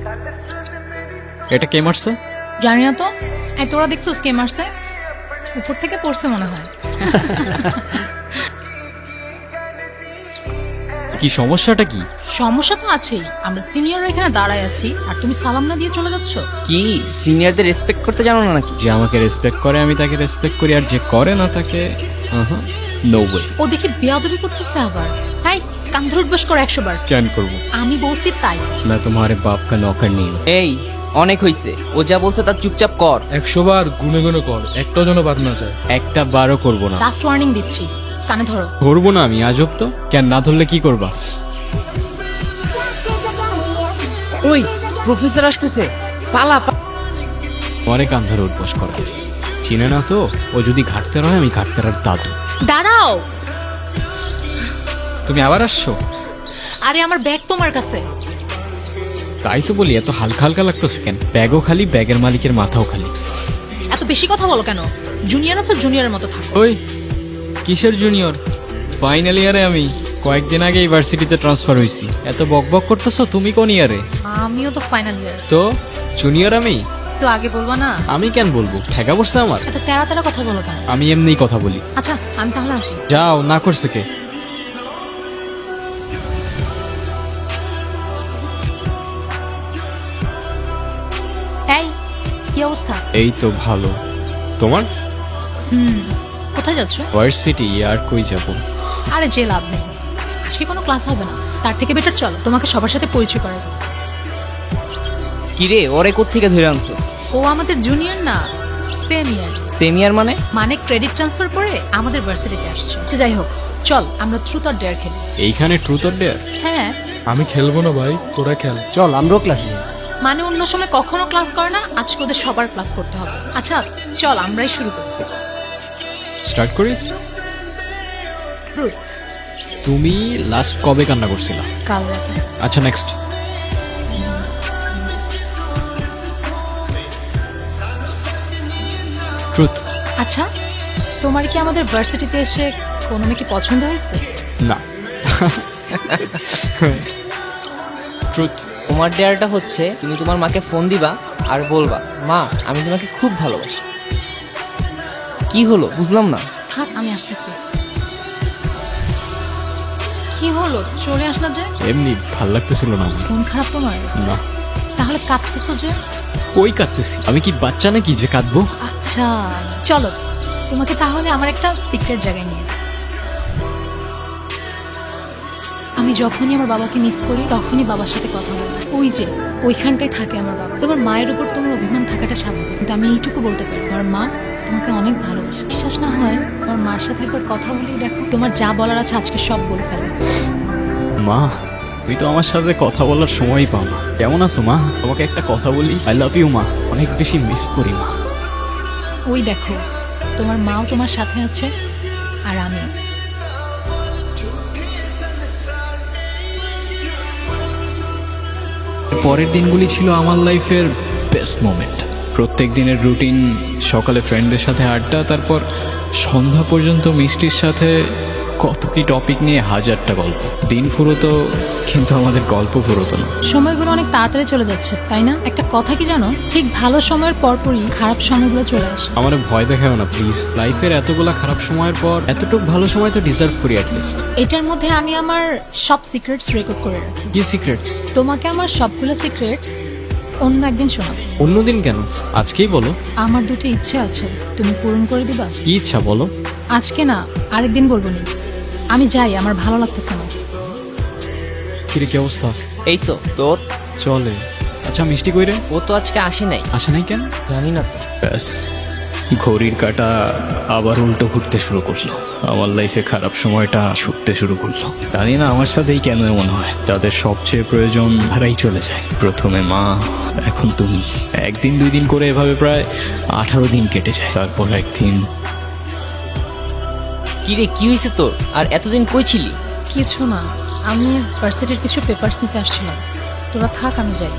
এটা কে মারছে? জানি না তো। এই তোরা দেখছিস কে মারছে? উপর থেকে পড়ছে মনে হয়। কি সমস্যাটা কি? সমস্যা তো আছেই। আমরা সিনিয়র এখানে দাঁড়ায় আছি আর তুমি সালাম না দিয়ে চলে যাচ্ছ। কি সিনিয়রদের রেসপেক্ট করতে জানো না নাকি? যে আমাকে রেসপেক্ট করে আমি তাকে রেসপেক্ট করি, আর যে করে না তাকে নো ওয়ে। ও দেখি বেয়াদবি করতেছে আবার। এই কান ধরে উঠবাস করো 100 বার। কেন করবো? আমি বলছি তাই। मैं तुम्हारे बाप का नौकर नहीं हूँ। এই অনেক হইছে, ও যা বলছে তার চুপচাপ কর। 100 বার গুনে গুনে কর, একটা যেন বাদ না যায়। একটা বারও করবো না। লাস্ট ওয়ার্নিং দিচ্ছি, কানে ধরো। ধরবো না আমি, আজব তো। কেন না ধরলে কি করবা? ওই প্রফেসর আসতেছে, পালা তোমারে কান ধরে উঠবস করা চিনে না তো? ও যদি ঘাটতে রয় আমি ঘাটতে আর দাদু। দাঁড়াও। তুমি আবার আসছো? আরে আমার ব্যাগ তোমার কাছে। তাই তো বলি, এত হালকা হালকা লাগতেছে কেন? ব্যাগও খালি, ব্যাগের মালিকের মাথাও খালি। এত বেশি কথা বলো কেন? জুনিয়র আছে, জুনিয়রের মতো থাকো। ওই কিসের জুনিয়র? ফাইনাল ইয়ারে আমি কয়েকদিন আগে ইউনিভার্সিটিতে ট্রান্সফার হয়েছি। এত বকবক করতেছো? তুমি কোন ইয়ারে? আমিও তো ফাইনাল ইয়ার। তো জুনিয়র আমি। তো আগে বলবা না? আমি কেন বলবো? ঠেকা পড়ছে আমার। এত তেরা তেরা কথা বলো কেন? আমি এমনিই কথা বলি। আচ্ছা আমি তাহলে আসি। যাও, না করছে কে? এই কি অবস্থা? এই তো ভালো। তোমার? কোথায় যাচ্ছ? ভার্সিটি। আর কই যাবো? আরে যে লাভ নেই, আজকে কোনো ক্লাস হবে না। তার থেকে বেটার চলো তোমাকে সবার সাথে পরিচয় করে দেবো। কি রে, ওরে কোত্থেকে ধরে আনছস? ও আমাদের জুনিয়র না, সেম ইয়ার। সেমিয়ার মানে? মানে ক্রেডিট ট্রান্সফার করে আমাদের ভার্সিটিতে আসছে। আচ্ছা যাই হোক, চল আমরা ট্রুথ অর ডেয়ার খেলি। এইখানে ট্রুথ অর ডেয়ার? হ্যাঁ। আমি খেলবো না ভাই, তোরা খেল। চল আমরাও ক্লাসে। মানে অন্য সময় কখনো ক্লাস করে না, আজকে ওদের সবার ক্লাস করতে হবে। আচ্ছা চল আমরাই শুরু করি। স্টার্ট করি। ট্রুথ। তুমি লাস্ট কবে কান্না করছিলা? কাল রাতে। আচ্ছা নেক্সট। ট্রুথ। আচ্ছা তোমার কি আমাদের ভার্সিটিতে এসে কোনো মেয়েকে পছন্দ হয়েছে? না। ট্রুথ। তোমার ডেয়ারটা হচ্ছে তুমি তোমার মাকে ফোন দিবা আর বলবা, মা আমি তোমাকে খুব ভালোবাসি। কি হলো বুঝলাম না। থাক আমি আসতেছি। কি হলো চলে আসলা যে? এমনি ভাল লাগতেছিল না আমার। মন খারাপ তোমার? না। তাহলে কাঁদতেছো যে? কই কাঁদতেছি? আমি কি বাচ্চা নাকি যে কাঁদবো? আচ্ছা চলো তোমাকে তাহলে আমার একটা সিক্রেট জায়গায় নিয়ে যাই। আমি যখনই আমার বাবাকে মিস করি তখনই বাবার সাথে কথা বলি। ওই যে ওইখানটায় থাকে আমার বাবা। তোমার মায়ের উপর তোমার অভিমান থাকাটা স্বাভাবিক, কিন্তু আমি এইটুকু বলতে পারি আমার মা তোমাকে অনেক ভালোবাসে। বিশ্বাস না হয় তোমার মার সাথে একবার কথা বলেই দেখো, তোমার যা বলার আছে আজকে সব বলে ফেলো। মা, তুই তো আমার সাথে কথা বলার সময়ই পাও না। কেমন আছো মা? তোমাকে একটা কথা বলি, আই লাভ ইউ মা। অনেক বেশি মিস করি মা। ওই দেখো তোমার মাও তোমার সাথে আছে আর আমি। পরের দিনগুলি ছিল আমার লাইফের বেস্ট মোমেন্ট। প্রত্যেক দিনের রুটিন, সকালে ফ্রেন্ডদের সাথে আড্ডা, তারপর সন্ধ্যা পর্যন্ত মিষ্টির সাথে কত কি টপিক নিয়ে হাজারটা গল্প। দিন ফুরোতো কিন্তু আমাদের গল্প ফুরোতো না। সময়গুলো অনেক তাড়াতাড়ি চলে যাচ্ছে তাই না? একটা কথা কি জানো, ঠিক ভালো সময়ের পরপরই খারাপ সময়গুলো চলে আসে। আমার ভয় দেখাও না প্লিজ। লাইফের এতগুলা খারাপ সময়ের পর এতটুকু ভালো সময় তো ডিজার্ভ করি অ্যাটলিস্ট। এটার মধ্যে আমি আমার সব সিক্রেটস রেকর্ড করে রাখি। কি সিক্রেটস? তোমাকে আমার সবগুলো সিক্রেটস অন্য একদিন শোনাবো। অন্যদিন কেন? আজকেই বলো। আমার দুটো ইচ্ছে আছে, তুমি পূরণ করে দিবা? কি ইচ্ছা বলো? আজকে না, আরেকদিন বলবো নি। আমি যাই, আমার ভালো লাগতেছে না। কিরে কি অবস্থা? এই তো তোর। চলে। আচ্ছা মিষ্টি কইরে? ও তো আজকে আসে নাই। আসে নাই কেন? জানি না তো। ব্যাস, ঘড়ির কাঁটা আবার উল্টো ঘুরতে শুরু করলো। আমার লাইফে খারাপ সময়টা ছুটতে শুরু করলো। জানি না আমার সাথেই কেন এমন হয়। তাদের সবচেয়ে প্রয়োজন হারাই চলে যায়। প্রথমে মা, এখন তুমি। একদিন দুই দিন করে এভাবে প্রায় 18 দিন কেটে যায়। তারপর একদিন। কি রে কি হয়েছে তোর? আর এতদিন কই ছিলি? কিছু না, আমি ভার্সিটির কিছু পেপারস নিতে আসছিলাম। তোরা থাক, আমি যাই।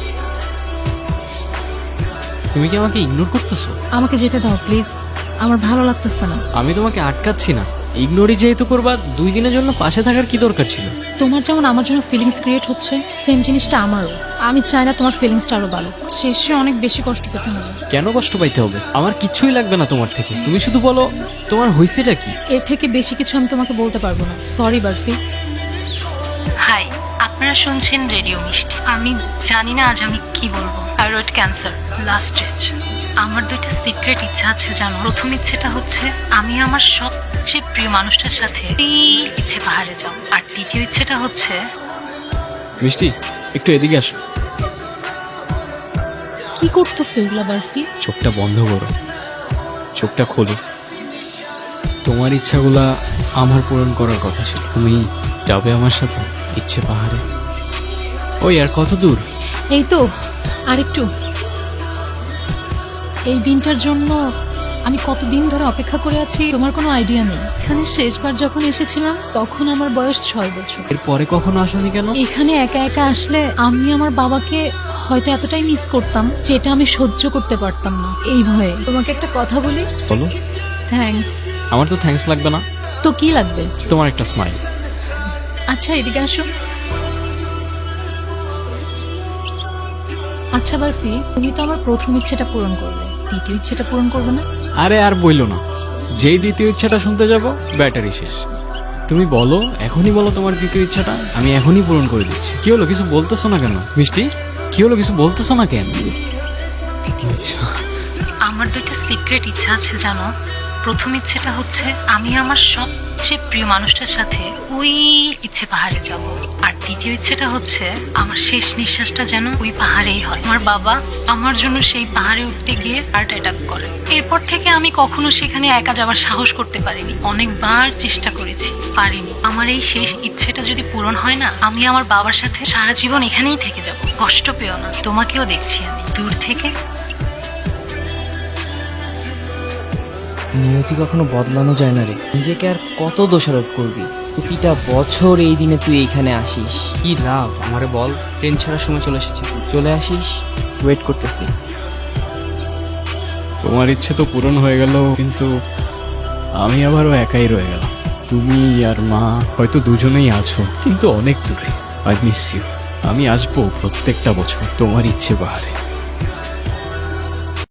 তুমি কি আমাকে ইগনোর করতেছো? আমাকে যেতে দাও প্লিজ, আমার ভালো লাগতেছে না। আমি তোমাকে আটকাচ্ছি না, ইগনোরই যেহেতু করবা, 2 দিনের জন্য পাশে থাকার কি দরকার ছিল? তোমার যেমন আমার জন্য ফিলিংস ক্রিয়েট হচ্ছে, সেম জিনিসটা আমারও। আমি চাই না তোমার ফিলিংসটা আরো ভালো, শেষে অনেক বেশি কষ্ট পেতে হবে। কেন কষ্ট পাইতে হবে? আমার কিচ্ছুই লাগবে না তোমার থেকে। তুমি শুধু বলো তোমার হয়েছেটা কি। এর থেকে বেশি কিছু আমি তোমাকে বলতে পারবো না, সরি বারফি। হাই, আপনারা শুনছেন রেডিও মিষ্টি। আমি জানি না আজ আমি কি বলবো। Thyroid cancer, last stage. আমার 2টা সিক্রেট ইচ্ছা আছে জানো। প্রথম ইচ্ছেটা হচ্ছে আমি আমার সবচেয়ে প্রিয় মানুষটার সাথে ইচ্ছে পাহাড়ে যাব। আর দ্বিতীয় ইচ্ছেটা হচ্ছে মিষ্টি, একটু এদিকে আসো। কি করতেছে এগুলা বারফি? চোখটা বন্ধ করো, চোখটা খোলো। তোমার ইচ্ছাগুলা আমার পূরণ করার কথা ছিল। তুমি যাবে আমার সাথে ইচ্ছে পাহাড়ে? ওই আর কত দূর? এই তো আরেকটু। এই দিনটার জন্য আমি কতদিন ধরে অপেক্ষা করে আছি তোমার কোনো আইডিয়া নেই। এখানে শেষবার যখন এসেছিলাম তখন আমার বয়স 6 বছর। এরপরে কখনো আসোনি কেন? এখানে একা একা আসলে আমি আমার বাবাকে হয়তো এতটাই মিস করতাম যেটা আমি সহ্য করতে পারতাম না। এই ভয়ে তোমাকে একটা কথা বলি। বলো। থ্যাঙ্কস। আমার তো থ্যাঙ্কস লাগবে না, তো কি লাগবে? তোমার একটা স্মাইল। আচ্ছা এদিকে আসো। আচ্ছা বারফি, তুমি তো আমার প্রথম ইচ্ছেটা পূরণ করলে, দ্বিতীয় ইচ্ছেটা পূরণ করবে না? আরে আর বইলো না, যেই দ্বিতীয় ইচ্ছাটা শুনতে যাব ব্যাটারি শেষ। তুমি বলো, এখনই বলো তোমার দ্বিতীয় ইচ্ছাটা, আমি এখনই পূরণ করে দিচ্ছি। কি হলো, কিছু বলতেছো না কেন? মিষ্টি, কি হলো, কিছু বলতেছো না কেন? দ্বিতীয় ইচ্ছা। আমার 2টা সিক্রেট ইচ্ছা আছে জানো। প্রথম ইচ্ছেটা হচ্ছে আমি আমার সবচেয়ে প্রিয় মানুষটার সাথে ওই ইচ্ছে পাহাড়ে যাব। আর দ্বিতীয় ইচ্ছেটা হচ্ছে আমার শেষ নিঃশ্বাসটা যেন ওই পাহাড়েই হয়। আমার বাবা আমার জন্য সেই পাহাড়ে উঠতে গিয়ে হার্ট অ্যাটাক করে। এরপর থেকে আমি কখনো সেখানে একা যাওয়ার সাহস করতে পারিনি। অনেকবার চেষ্টা করেছি, পারিনি। আমার এই শেষ ইচ্ছেটা যদি পূরণ হয় না, আমি আমার বাবার সাথে সারা জীবন এখানেই থেকে যাব। কষ্ট পেও না, তোমাকেও দেখছি আমি দূর থেকে। নিয়তি কখনো বদলানো যায় না রে। নিজেকে আর কত দোষারোপ করবি? প্রতিটা বছর এই দিনে তুই এইখানে আসিস, কি লাভ? আমারে বল। ট্রেন ছাড়ার সময় চলে এসেছি, চলে আসিস, ওয়েট করতেছি। তোমার ইচ্ছে তো পূরণ হয়ে গেল, কিন্তু আমি আবারও একাই রয়ে গেলাম। তুমি আর মা হয়তো দুজনেই আছো, কিন্তু অনেক দূরে। I miss you. আমি আসবো প্রত্যেকটা বছর তোমার ইচ্ছে পাহাড়ে।